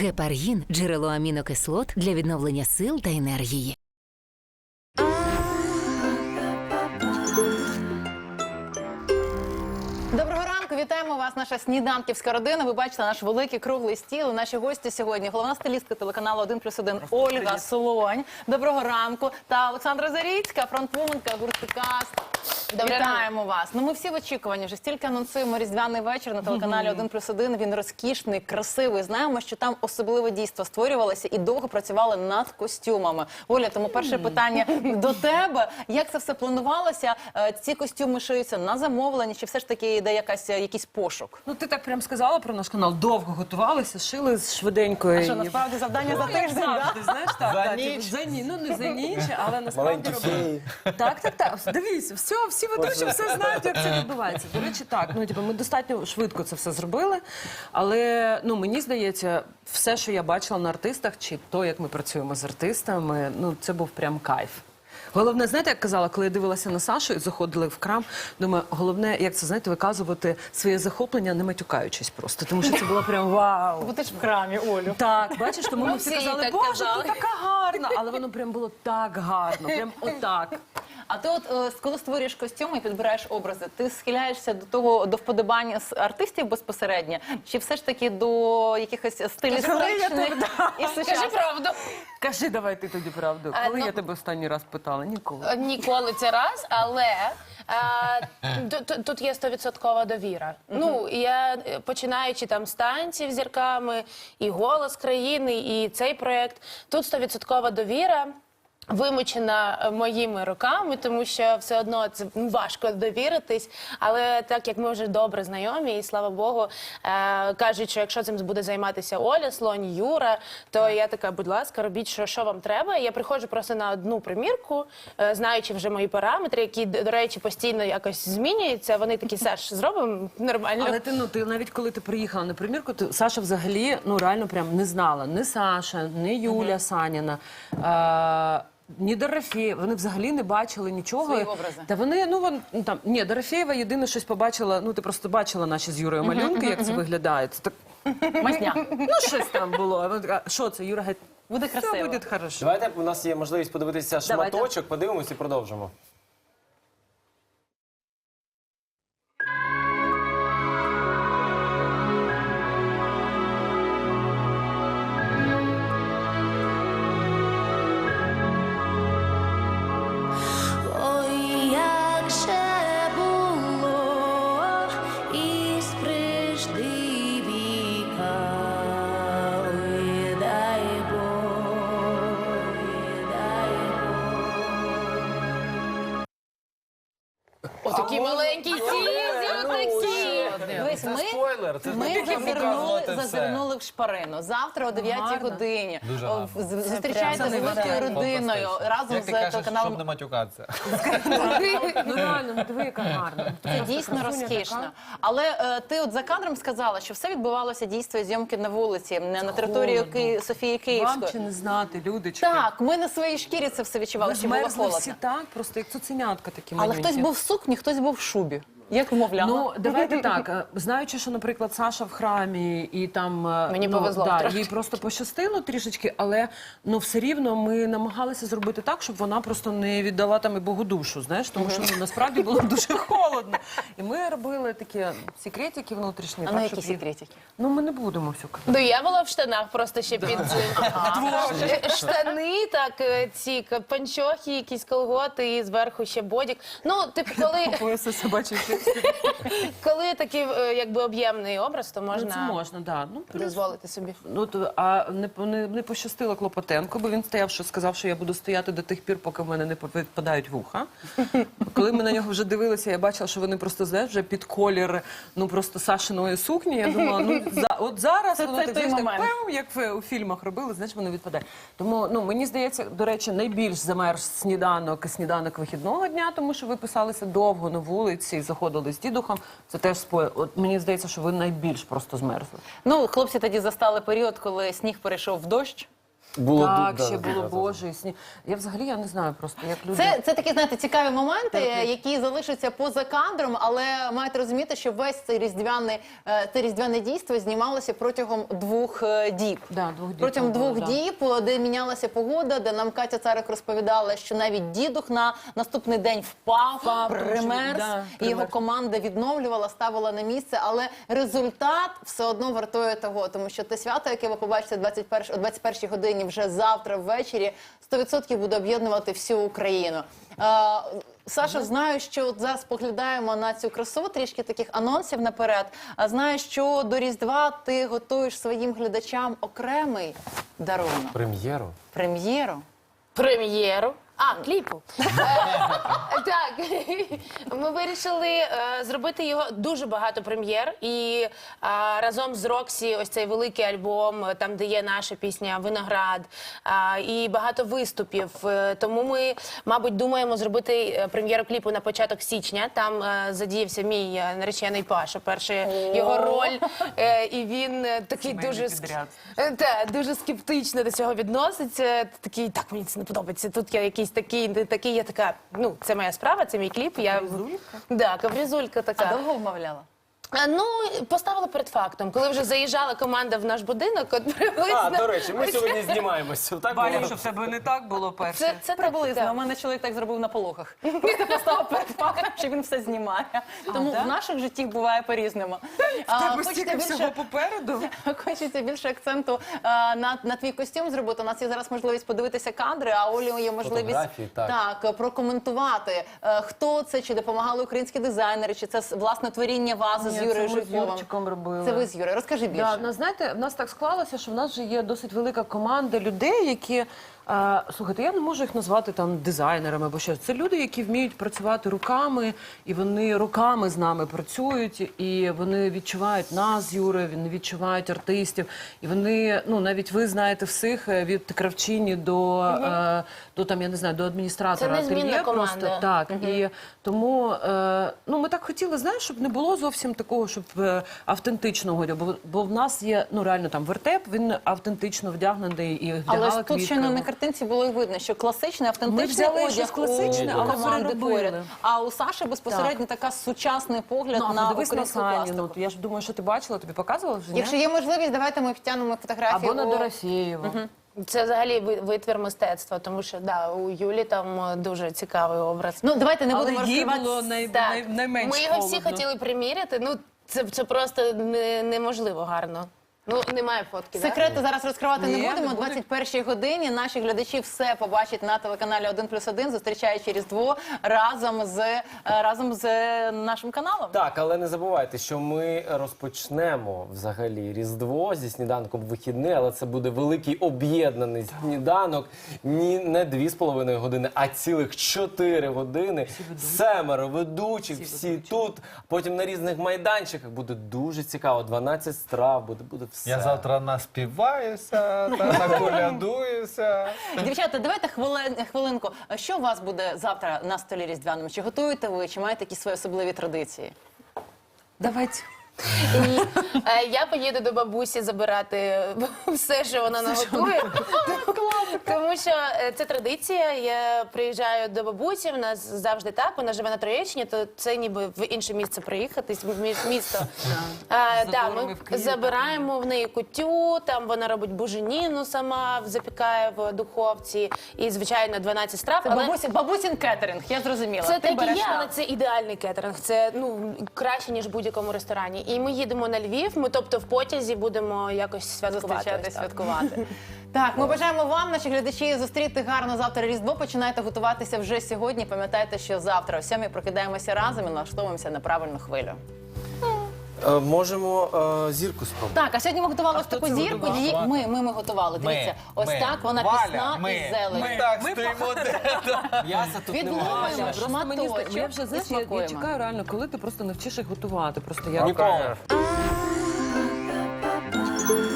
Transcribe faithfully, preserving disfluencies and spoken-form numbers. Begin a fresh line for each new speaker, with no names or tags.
Гепаргін – джерело амінокислот для відновлення сил та енергії.
Доброго ранку, вітаємо вас, наша сніданківська родина. Ви бачите наш великий круглий стіл. І наші гості сьогодні – головна стилістка телеканалу один плюс один Ольга Солонь. Доброго ранку. Та Олександра Заріцька, фронтвуменка гурту Каст. Вітаємо вас. Ну, ми всі в очікуванні. Вже стільки анонсуємо різдвяний вечір на телеканалі один плюс один. Він розкішний, красивий. Знаємо, що там особливе дійство створювалося і довго працювали над костюмами. Оля, тому перше питання до тебе. Як це все планувалося? Ці костюми шиються на замовлення? Чи все ж таки йде якась, якийсь пошук?
Ну, ти так прям сказала про наш канал. Довго готувалися, шили швиденько.
А що, насправді, завдання за тиждень, так?
Ти знаєш, так.
За
так,
ніч.
За ніч. Ну, не за ніч, але насправді
Маленькі
робили.
феї.
Так, так, так. Дивіться, все, всі ведучі все знають, як це відбувається. До речі, так. Ну, типу, ми достатньо швидко це все зробили. Але, ну, мені здається, все, що я бачила на артистах, чи то, як ми працюємо з артистами, ну, це був прям кайф. Головне, знаєте, як казала, коли я дивилася на Сашу і заходили в крам, думаю, головне, як це, знаєте, виказувати своє захоплення, не матюкаючись просто. Тому що це було прям вау.
Бо ти ж в храмі, Олю.
Так, бачиш, тому ми всі
всі
казали,
так
боже,
казали.
ти така гарна. Але воно прям було так гарно, прям отак.
А ти от, е, коли створюєш костюми і підбираєш образи, ти схиляєшся до того, до вподобання з артистів безпосередньо? Чи все ж таки до якихось стилістичних і
Скажи
сучасних?
правду.
Кажи, давай ти тоді правду.
А,
Коли
ну-
я тебе останній раз питала? Ніколи.
Ніколи це раз, але е, тут, тут є стовідсоткова довіра. Ну, я, е, починаючи там з танців з зірками, і «Голос країни», і цей проєкт, тут стовідсоткова довіра. Вимучена моїми руками, тому що все одно це важко довіритись, але так як ми вже добре знайомі, і слава Богу, е, кажуть, що якщо цим буде займатися Оля Слонь, Юра, то я така, будь ласка, робіть, що, що вам треба. Я приходжу просто на одну примірку, е, знаючи вже мої параметри, які, до речі, постійно якось змінюються. Вони такі, Саш, зробимо нормально.
Але ти, ну, ти навіть коли ти приїхала на примірку, ти, Саша взагалі, ну, реально прям не знала. Ні Саша, ні Юля Саніна. Е, Ні Дорофєєва, вони взагалі не бачили нічого.
Свої образи.
Та вони, ну, вон, ну там, ні, Дорофєєва єдине щось побачила, ну, ти просто бачила наші з Юрою малюнки, як це виглядає. Це так,
Масня.
ну, щось там було. А вона така, що це, Юра, геть,
Буде
все
красиво.
буде хорошо.
Давайте, у нас є можливість подивитися
Давайте.
шматочок, подивимось і продовжимо.
Ой, як же було із прежди віка, ой, дай Бог, ой, дай Бог.
Отакі маленькі сізі, отакі.
Дивись, ми,
Спойлер, це ж не
ми
тільки
зазирнули,
показувати все.
зазирнули в шпарину. Завтра о дев'ятій
Гарно.
годині.
Дуже
О,
гарно.
з- Зустрічайте
прям
з великою родиною разом
Як
з
ти кажеш,
телеканалом.
щоб не матюкатися.
Ну, реально, ну, диви, яка гарна.
Це дійсно розкішно. Але е, ти от за кадром сказала, що все відбувалося дійство і зйомки на вулиці, не на території
холодно.
Ки... Софії
Вам
Київської.
чи не знати, людочки?
Так, ми на своїй шкірі це все відчували,
Ви
що було
змерзли
холодно.
всі так, просто як цуценятка такі
Але
маленькі.
хтось був в сукні, хтось був в шубі. Як вмовляла?
Ну, давайте так. е, Знаючи, що, наприклад, Саша в храмі і там... е,
Мені
ну,
повезло
да,
трошки.
їй просто пощастило трішечки, але ну, все рівно ми намагалися зробити так, щоб вона просто не віддала там і Богу душу, знаєш, тому що ну, насправді було дуже холодно. І ми робили такі секретики внутрішні.
А
так,
на
щоб
які
їй-
секретики?
Ну, ми не будемо все казати.
Ну, я була в штанах просто ще під Е, штани, так, е, ці к- панчохи, якісь колготи і зверху ще бодік. Ну, типу, коли,
Пояса собачий
коли такий е, якби об'ємний образ, то
Ну,
можна
це можна, да. Ну, плюс-
дозволити собі.
Ну, то, а не, не, не пощастило Клопотенко, бо він стояв, що сказав, що я буду стояти до тих пір, поки в мене не відпадають вуха. Коли ми на нього вже дивилися, я бачила, що вони просто, знаєш, вже під колір, ну, просто Сашиної сукні. Я думала, ну, за, от зараз
Це-
воно
це
так,
той
знаєш, так,
момент.
пем, як в, у фільмах робили, знаєш, воно відпадає. Тому, ну, мені здається, до речі, найбільш замерз сніданок, сніданок вихідного дня, тому що ви писалися довго на вулиці, заходили з дідухом. Це теж спойлер. От мені здається, що ви найбільш просто змерзли.
Ну, хлопці тоді застали період, коли сніг перейшов в дощ.
Було
Так,
ду-
ще
да,
було
да,
Боже і сні. Я взагалі я не знаю просто, як люди.
Це, це такі, знаєте, цікаві моменти, які залишаться поза кадром, але маєте розуміти, що весь цей різдвяний, е, це різдвяне дійство знімалося протягом двох е, діб.
Да, двох діб
Протягом
було,
двох
да.
діб, де мінялася погода, де нам Катя Царик розповідала, що навіть дідух на наступний день впав,
Впав,
примерз,
да,
і його
примерз.
команда відновлювала, ставила на місце, але результат все одно вартує того, тому що те свято, яке ви побачите двадцять першої, о двадцять першій годині вже завтра ввечері, сто відсотків буде об'єднувати всю Україну. Е, Саша, знаю, що от зараз поглядаємо на цю красу, трішки таких анонсів наперед. А знаю, що до Різдва ти готуєш своїм глядачам окремий дарунок,
Прем'єру.
прем'єру.
Прем'єру. А, кліпу. Е, Так, ми вирішили е, зробити його дуже багато прем'єр. І е, разом з Роксі ось цей великий альбом, е, там, де є наша пісня «Виноград», е, і багато виступів. Е, Тому ми, мабуть, думаємо зробити е, прем'єру кліпу на початок січня. Там е, задіявся мій е, наречений Паша, перша його роль. Е, І він е, такий
Сімейний
дуже, ск-
підряд.
Е, Та, дуже скептично до цього відноситься. Такий, так, мені це не подобається. Тут я якийсь такий, не такий, я така, ну, це моя справа, це мій кліп. Я...
Капризулька?
Да, капризулька
А
така.
довго вмовляла?
А, ну, поставила перед фактом. Коли вже заїжджала команда в наш будинок, от приблизно...
А, до речі, ми сьогодні знімаємося. Так
Валя,
було?
щоб в тебе не так було перше.
Це, це
Приблизно.
так,
У мене чоловік так зробив на пологах. Просто поставив перед фактом, що він все знімає. Тому
да?
в наших життях буває по-різному.
В
А,
тебе
хочете
стільки всього
більше,
попереду.
хочеться більше акценту а, на, на твій костюм зробити. У нас є зараз можливість подивитися кадри, а Олі є можливість
Фотографії, так.
так, прокоментувати, е, хто це, чи допомагали українські дизайнери, чи це власне творіння вази з
Ні,
Юрією
це ми з
Жуйковим.
Юрчиком робили.
Це ви з Юрою. Розкажи більше.
Да, ну, знаєте, в нас так склалося, що в нас вже є досить велика команда людей, які. Е, слухайте, я не можу їх назвати там дизайнерами або щось. Це люди, які вміють працювати руками, і вони руками з нами працюють, і вони відчувають нас з Юрою, вони відчувають артистів. І вони, ну навіть ви знаєте всіх е, від кравчині до, е, до там, я не знаю, до адміністратора
Це незмінна
ательє
команда.
просто. Так, і тому е, ну, ми так хотіли, знаєш, щоб не було зовсім такого, щоб е, автентичного, бо, бо в нас є, ну реально там вертеп, він автентично вдягнений і вдягала
Але ж тут
квітки.
ще на картинці було і видно, що класичний, автентичний
Ми взяли
одяг
щось класичне,
у
але
команди
переробили.
поряд. А у Саші безпосередньо така сучасний погляд
Ну, а
на
подивись на
українську
Саню,
пластику.
ну, я ж думаю, що ти бачила, тобі показувала вже, ні?
Якщо є можливість, давайте ми втягнемо фотографії.
Або на
у-
Дорофєєва.
Це взагалі ви- витвір мистецтва, тому що да, у Юлі там е, дуже цікавий образ.
Ну, давайте не
Але
будемо
їй
розкривати.
було най...
Так.
най... найменш
Ми його всі
холодно.
хотіли приміряти, ну це, це просто не, неможливо гарно. Ну, немає фотки, да?
Секрети зараз розкривати
Ні,
не
не
будемо. О
буде.
двадцять першій годині наші глядачі все побачать на телеканалі один плюс один, зустрічаючи Різдво разом з, е, разом з е, нашим каналом.
Так, але не забувайте, що ми розпочнемо взагалі Різдво зі сніданком в вихідний, але це буде великий об'єднаний сніданок. Ні, не дві з половиною години, а цілих чотири години. Семеро ведучих, всі, тут. Потім на різних майданчиках буде дуже цікаво. дванадцять страв буде, буде все.
Я завтра наспіваюся, та наколядуюся.
Дівчата, давайте хвилин, хвилинку. Що у вас буде завтра на столі різдвяному? Чи готуєте ви, чи маєте якісь свої особливі традиції?
Давайте.
І е, я поїду до бабусі забирати все, що вона наготує. Тому що е, це традиція. Я приїжджаю до бабусі, в нас завжди так, вона живе на Троєщині, то це ніби в інше місце приїхати, в мі- місто. Е, да,
Заборами
ми
в Києві,
забираємо в неї кутю, там вона робить буженіну сама, запікає в духовці. І, звичайно, дванадцять страв.
Це
але-
бабусі, бабусін кетеринг, я зрозуміла.
це
Ти
так і
береш
є,
там.
але це ідеальний кетеринг. Це ну краще ніж в будь-якому ресторані. І ми їдемо на Львів. Ми, тобто, в потязі будемо якось святкувати.
Зустрічати,
ось так.
святкувати. Так, ми бажаємо вам, наші глядачі, зустріти гарно завтра Різдво. Починайте готуватися вже сьогодні. Пам'ятайте, що завтра о сьомій прокидаємося разом і налаштовуємося на правильну хвилю.
Е, можемо е, зірку спробувати.
Так, а сьогодні ми готували ось
хто
таку
це
зірку.
готував?
Її ми, ми, ми готували. Дивіться, ось
ми.
так вона
Валя,
пісна
ми,
із зеленю.
Ми так стоїмо.
М'яса тут
Відловимо
немає.
Просто мені здається,
шматочок
я вже
і
знаєш, я, я
смакуємо.
чекаю реально, коли ти просто навчиш їх готувати. Просто я
Ніколи.
Ah,